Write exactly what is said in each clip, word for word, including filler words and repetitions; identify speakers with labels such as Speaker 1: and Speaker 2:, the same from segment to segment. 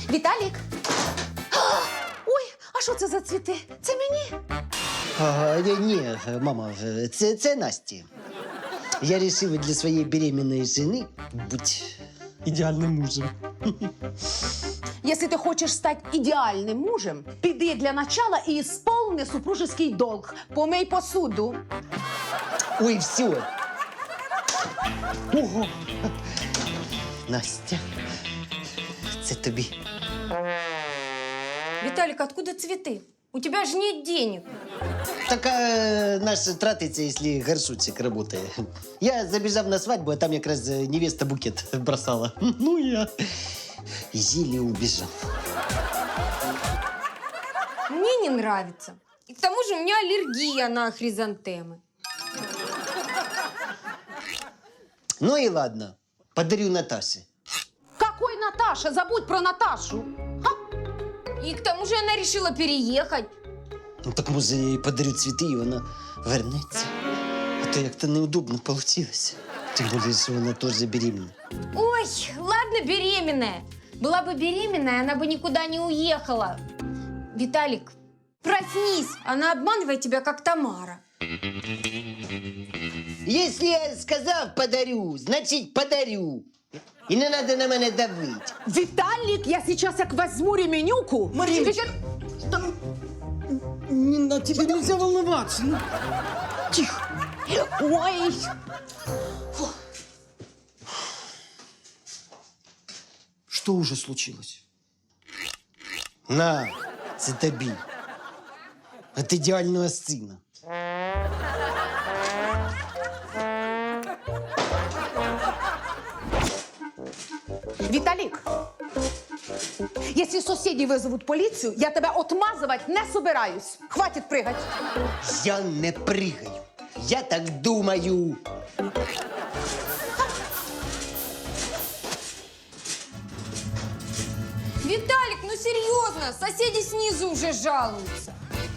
Speaker 1: Віталік! Ой, а що це за цвіти? Це мені?
Speaker 2: А, ні, мама, це, це Насті. Я вирішив для своєї беременної жени бути ідеальним мужем.
Speaker 1: Якщо ти хочеш стати ідеальним мужем, піди для начала і ісполни супружеский долг. Помий посуду.
Speaker 2: Ой, все. Ого. Настя, це тобі.
Speaker 3: Виталик, откуда цветы? У тебя же нет денег.
Speaker 2: Так а, наш тратиться, якщо горшочек працює. Я забіжав на свадьбу, а там якраз невеста букет бросала. Ну, я еле убежал.
Speaker 3: Мне не нравится. И к тому же у меня аллергия на хризантемы.
Speaker 2: Ну и ладно, подарю Наташе.
Speaker 1: Какой Наташа? Забудь про Наташу.
Speaker 3: И к тому же она решила переехать.
Speaker 2: Ну так може я їй подарю цвіти, і вона вернеться. А то як-то неудобно получилось. Тим більше, що вона теж беременна.
Speaker 3: Ой, ладно, беременная. Была бы беременная, она бы никуда не уехала. Виталик, проснись, она обманывает тебя, как Тамара.
Speaker 2: Якщо я сказав подарю, значить подарю. І не треба на мене давити.
Speaker 1: Виталик, я сейчас як возьму ременюку.
Speaker 4: Мариночка.
Speaker 1: Сейчас-
Speaker 4: Не, на тебе нельзя волноваться. Ну, тихо.
Speaker 1: Ой.
Speaker 4: Что уже случилось?
Speaker 2: На, це тобі. От ідеального сина.
Speaker 1: Виталик, если соседи вызовут полицию, я тебя отмазывать не собираюсь. Хватит прыгать.
Speaker 2: Я не пригаю. Я так думаю.
Speaker 3: Виталик, ну серьезно, соседи снизу уже жалуются.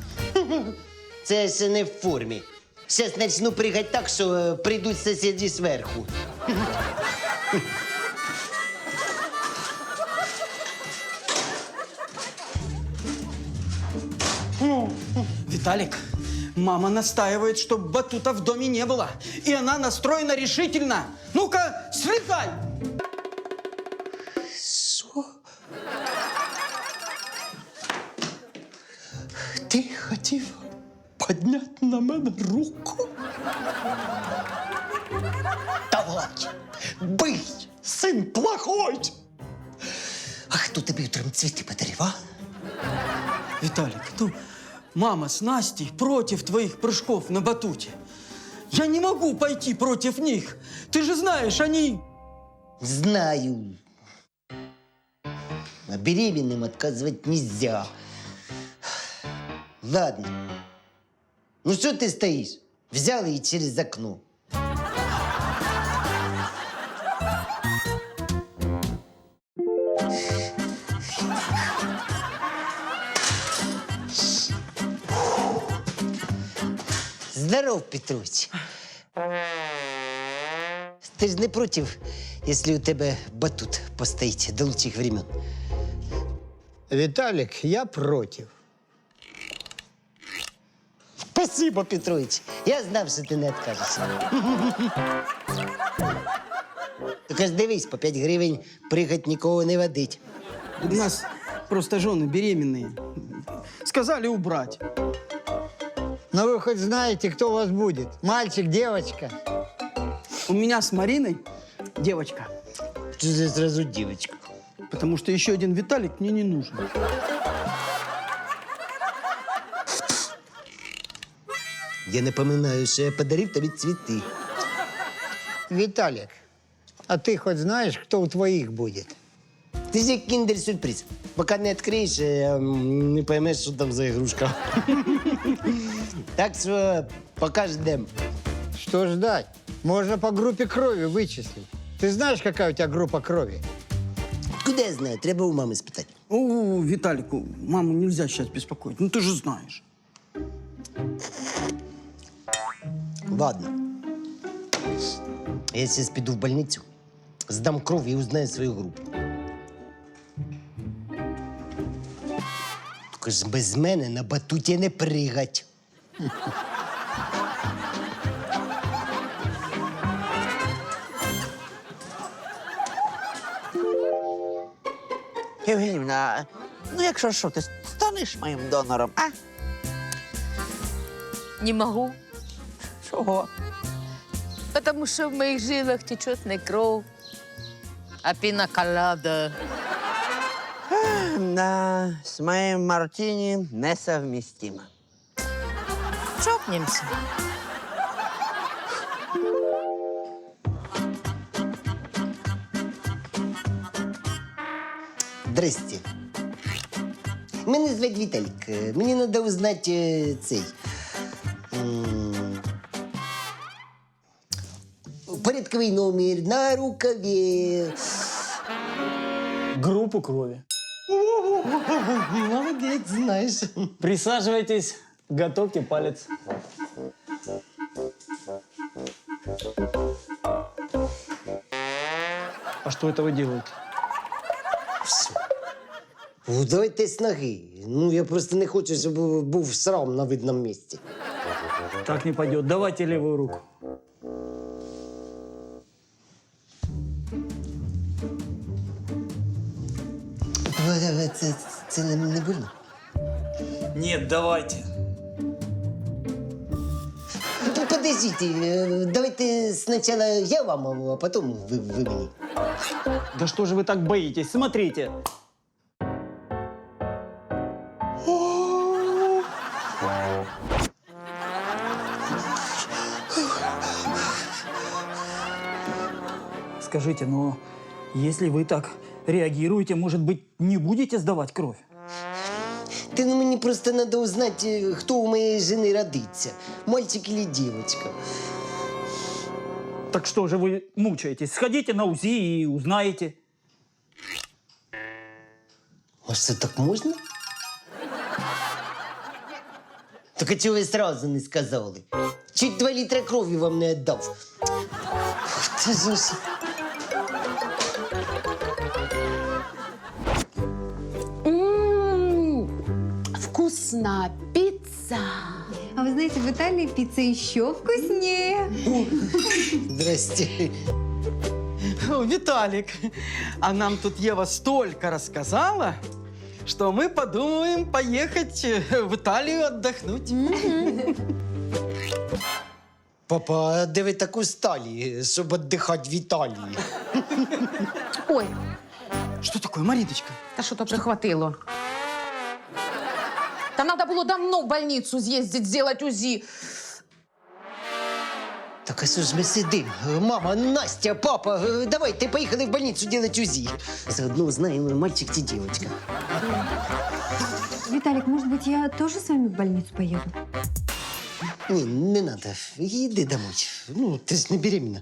Speaker 2: Це ще не в формі. Зараз почну пригати так, що е, прийдуть сусіди зверху.
Speaker 4: Виталик, мама настаивает, чтобы батута в доме не было. И она настроена решительно. Ну-ка, слетай!
Speaker 2: Що? Ти хотів підняти на мене руку? Давай, бий, син плохой! А хто тобі утром цвіти подарив, а?
Speaker 4: Виталик, ну, мама с Настей против твоих прыжков на батуте. Я не могу пойти против них. Ты же знаешь, они...
Speaker 2: Знаю. А беременным отказывать нельзя. Ладно. Ну что ты стоишь? Взял и через окно. Здоров, Петрович. Ти ж не проти, якщо у тебе батут постоїть до лучших времен?
Speaker 5: Виталик, я против.
Speaker 2: Спасибо, Петрович. Я знав, що ти не відкажешся. Тільки ж дивись, по п'ять гривень пригать нікого не водить.
Speaker 4: У нас просто жены беременные. Сказали убрать.
Speaker 5: Но вы хоть знаете, кто у вас будет? Мальчик, девочка?
Speaker 4: У меня с Мариной девочка.
Speaker 2: Що за зразу дівчинка?
Speaker 4: Потому что еще один Виталик мне не нужен.
Speaker 2: Я напоминаю, що я подарив тобі цвіти.
Speaker 5: Виталик, а ты хоть знаешь, кто у твоих будет?
Speaker 2: Ти ж як кіндер-сюрприз. Поки не відкриєш, е, не поймеш, що там за ігрушка. Так що поки ждем.
Speaker 5: Что ждать? Можно по группе крови вычислить. Ты знаешь, какая у тебя группа крови?
Speaker 2: Куди я знаю? Треба у мами спитати.
Speaker 4: О, Виталику, маму нельзя сейчас беспокоить. Ну ты же знаешь.
Speaker 2: Ладно. Я зараз піду в больницю, здам кров і узнаю свою групу. Тільки ж без мене на батуті не пригать.
Speaker 6: Євгенівна, ну якщо що, ти станеш моїм донором, а?
Speaker 7: Не могу,
Speaker 6: Чого?
Speaker 7: потому что в моих жилах течет не кровь, а пиноколада.
Speaker 6: Да, з моїм мартіні несовмістимо.
Speaker 7: Чокнемся.
Speaker 2: Здрасте. Мене звати Віталік. Е, Мені треба узнати е, цей. м, Порядковий номер на рукаві.
Speaker 8: Группу крови.
Speaker 2: Молодець, знаєш.
Speaker 8: Присаживайтесь, готовьте палец. А что это вы делаете?
Speaker 2: Все. Ну, давайте з ноги. Ну, я просто не хочу, щоб був срам на видному місці.
Speaker 8: Так не пойдет. Давайте левую руку.
Speaker 2: Це, це не, не больно?
Speaker 8: Нет, давайте.
Speaker 2: Ну, подождите, е, давайте спочатку я вам, а потім ви, ви мені.
Speaker 8: Да что же вы так боитесь? Смотрите. Скажите, но если вы так реагируете, может быть, не будете сдавать кровь?
Speaker 2: Та ну мені просто треба узнати, хто у моєї жени родиться. Мальчик чи дівчинка.
Speaker 8: Так что же вы мучаетесь? Сходите на УЗИ и узнаете.
Speaker 2: А що, так можна? Так а чого ви сразу не сказали? Чуть два літра крові вам не віддав. Це ж...
Speaker 1: М, Вкусна піца.
Speaker 3: А вы знаете, в Италии пицца еще вкуснее.
Speaker 2: Здрасте.
Speaker 4: О, Виталик, а нам тут Ева столько рассказала, что мы подумаем поехать э, в Италию отдохнуть.
Speaker 2: Папа, а де ви так устали, щоб віддихати в Італії?
Speaker 1: Ой,
Speaker 4: Что такое, Мариночка?
Speaker 1: та що то прихватило? Та надо було давно в больницу з'їздити, зробити УЗІ.
Speaker 2: Так а що ж ми сидимо? Мама, Настя, папа, давайте поїхали в больницу робити УЗІ. Заодно узнаємо, мальчик чи дівчинка.
Speaker 3: Виталик, может быть, я тоже с вами в больницу поеду?
Speaker 2: Ні, не треба. Йди домой. Ну, ти ж не беременна.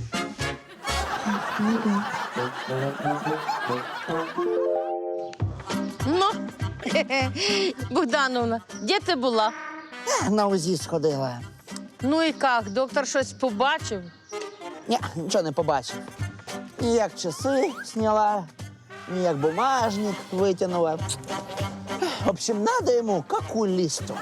Speaker 7: Ну, Богдановна, де ти була?
Speaker 6: На УЗІ сходила.
Speaker 7: Ну і як, доктор щось побачив?
Speaker 6: Ні, нічого не побачив. Ніяк часи зняла, ніяк бумажник витягнула. В общем, надо йому к окулісту.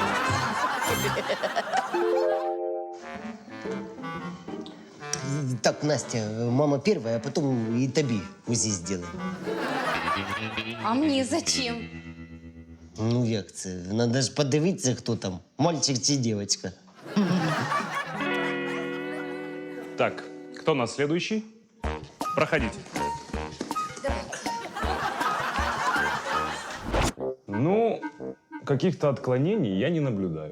Speaker 2: Так, Настя, мама первая, а потом и тобі УЗІ сделаем.
Speaker 3: А мне зачем?
Speaker 2: Ну як це? Надо ж подивитися, хто там, мальчик чи дівчинка.
Speaker 9: Так, кто у нас следующий? Проходите. Ну, каких-то отклонений я не наблюдаю.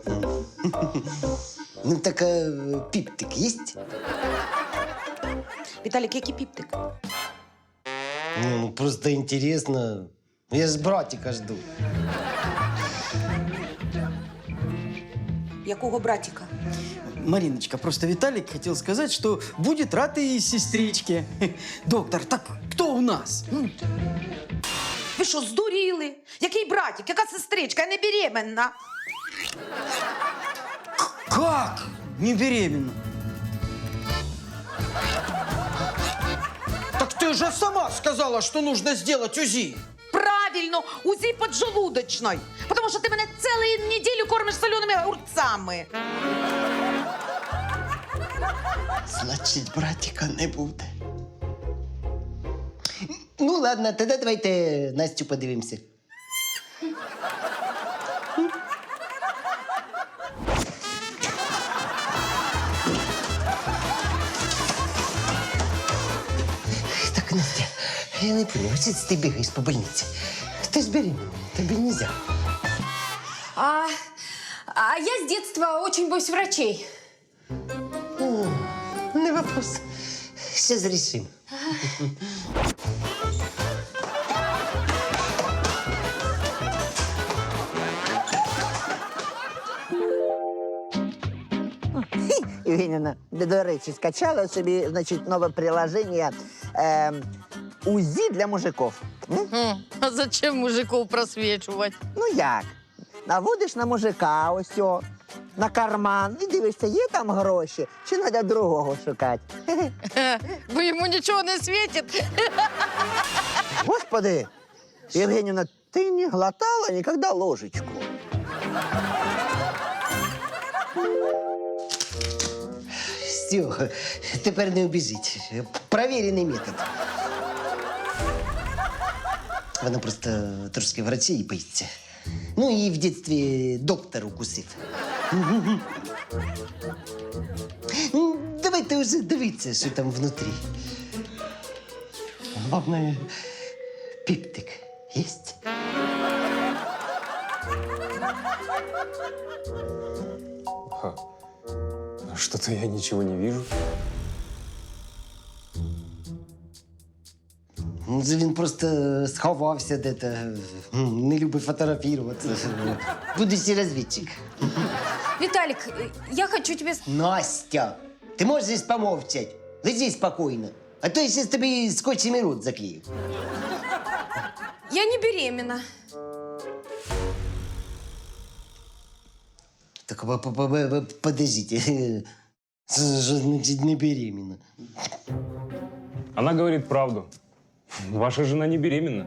Speaker 2: Ну так а піптик есть?
Speaker 1: Віталік, який піптик?
Speaker 2: Ну, просто интересно. Я ж братика жду.
Speaker 1: Якого братика?
Speaker 4: Мариночка, просто Виталик хотел сказать, что будет рад и сестричке. Доктор, так кто у нас?
Speaker 1: Ви що, здуріли? Який братик? Яка сестричка? Я не беременна.
Speaker 4: Как? Не беременна? Так ты же сама сказала, что нужно сделать УЗИ.
Speaker 1: Правильно! правильно, УЗИ поджелудочной. Потому що ти мене цілу неділю кормиш соленими огурцями.
Speaker 2: Значить, братика не буде. Ну, ладно, тоді давайте Настю подивимося. Так, Настя, я не понял, що ти бігаєш по больниці? Ти ж беременна, тобі нельзя.
Speaker 3: А, а я с детства очень боюсь врачей.
Speaker 2: О, не вопрос. Сейчас решим.
Speaker 6: Євгенівна, до речі, скачала собі, значить, нове приложення е, УЗІ для мужиків. М?
Speaker 7: Хм, а зачем мужиков просвечивать?
Speaker 6: Ну як? Наводиш на мужика ось о, на карман і дивишся, є там гроші, чи треба другого шукати. Хе-хе.
Speaker 7: Бо ему ничего не светит.
Speaker 6: Господи, Євгенівна, ти не глотала ніколи ложечку?
Speaker 2: Все, тепер не убіжить. Провірений метод. Вона просто трошки врачей боїться. Ну і в дитинстві доктор укусив. Ну, давайте вже дивитися, що там внутрі. Головне, піптик єсть?
Speaker 9: Ха. А что-то я ничего не вижу.
Speaker 2: Ну, це він просто сховався де-то, м, не любить фотографуватися. Будущий розвідчик.
Speaker 3: Виталик, э, я хочу тебе... с-
Speaker 2: Настя, ти можеш помовчати? Лежи спокійно. А то я зараз тобі скотчем і рот заклею.
Speaker 3: Я не беременна.
Speaker 2: Так, по- по- по- подождите. Что значит не беременна?
Speaker 9: Она говорит правду. Ваша жена не беременна.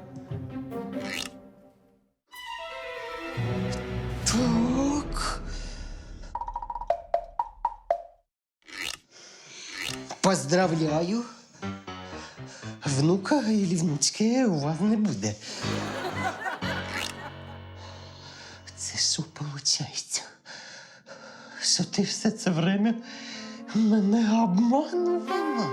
Speaker 2: Так. Поздравляю. Внука или внучки у вас не буде. Це що виходить? Що ти все це время мене обманувала?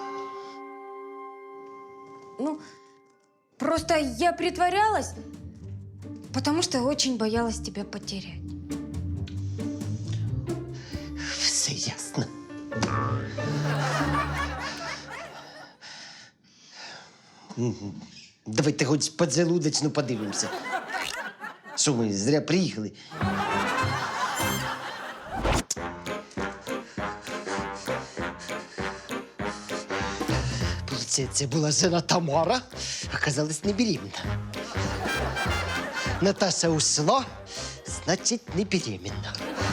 Speaker 3: Ну, просто я притворялась, потому что очень боялась тебя потерять.
Speaker 2: Все ясно. Мгм. Давайте хоч поджелудочну подивимося. Що ми зря приїхали? Получается, була жена Тамара, оказалась не беременна. Наташа ушла, значить, не беременна.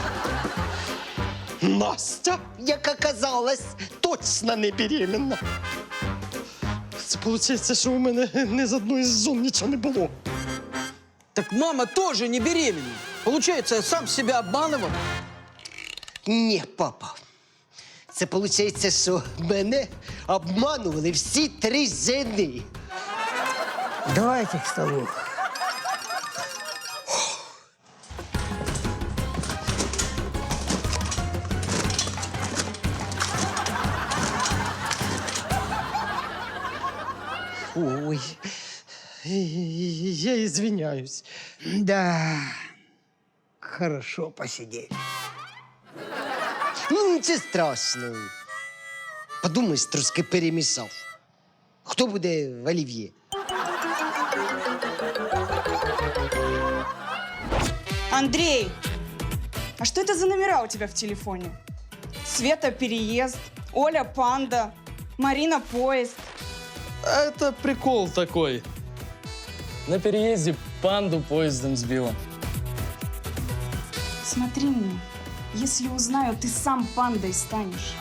Speaker 2: Настя, як оказалось, точно не беременна. Це виходить, що у мене ні з одної з жон нічого не було.
Speaker 4: Так мама тоже не беременна. Получается, я сам себя обманывал?
Speaker 2: Ні, папа. Це виходить, що мене обманували всі три жени.
Speaker 5: Давайте к столу.
Speaker 2: Ой, я извиняюсь.
Speaker 5: Да, хорошо посидели.
Speaker 2: Ну, нічого страшного. Подумаєш, трошки перемішав. Хто буде в олів'є?
Speaker 10: Андрей, а что это за номера у тебя в телефоне? Света переезд, Оля панда, Марина поезд.
Speaker 11: Это прикол такой. На переезде панду поездом сбила.
Speaker 10: Смотри мне, если узнаю, ты сам пандой станешь.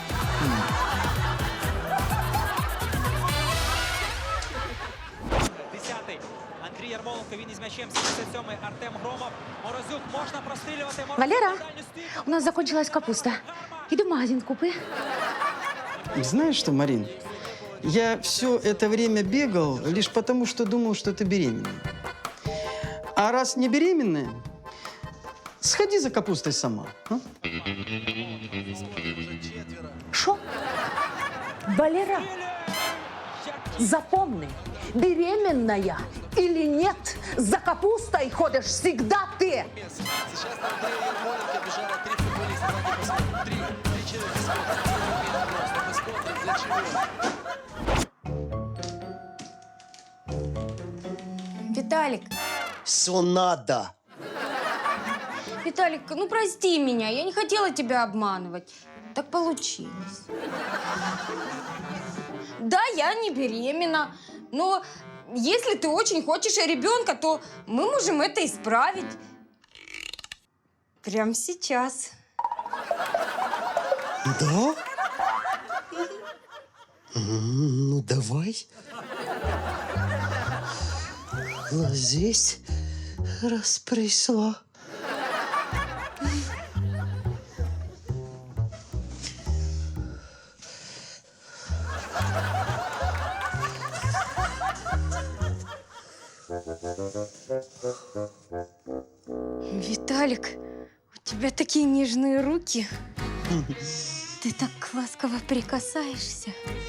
Speaker 12: Десятый. Андрей Ярмоленко м'ячем сімдесят сьомий Артем Громов. Морозюк можна прострілювати.
Speaker 1: Валера, у нас закончилась капуста. Иди в магазин купи.
Speaker 4: Знаешь что, Марин, я все это время бегал лишь потому, что думал, что ты беременна. А раз не беременная, сходи за капустой сама. А?
Speaker 1: Что? Валера, запомни, беременная или нет, за капустой ходишь всегда ты.
Speaker 3: Виталик,
Speaker 2: Что надо?
Speaker 3: Виталик, ну прости меня, я не хотела тебя обманывать. Так получилось. Да, я не беременна, но если ты очень хочешь ребенка, то мы можем это исправить. Прямо сейчас.
Speaker 2: Да? М, Ну, давай. Ложись, раз пришла.
Speaker 3: Виталик, у тебя такие нежные руки. Ты так ласково прикасаешься.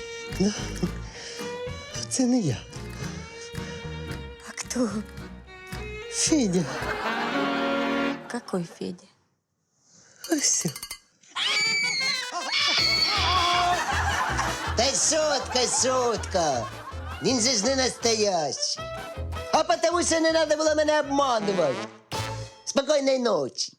Speaker 2: Це не я.
Speaker 3: А кто?
Speaker 2: Федя.
Speaker 3: Какой Федя?
Speaker 2: Ось. Та шутка, шутка. Він же ж не настоящий. А потому що не треба було мене обманувати. Спокійної ночі.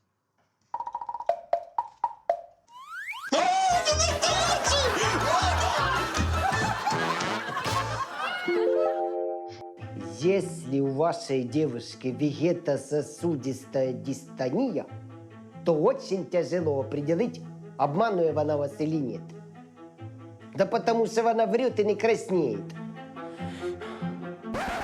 Speaker 2: Если у вашей девушки вегетососудистая дистония, то очень тяжело определить, обманывает она вас или нет. Да потому что она врет и не краснеет.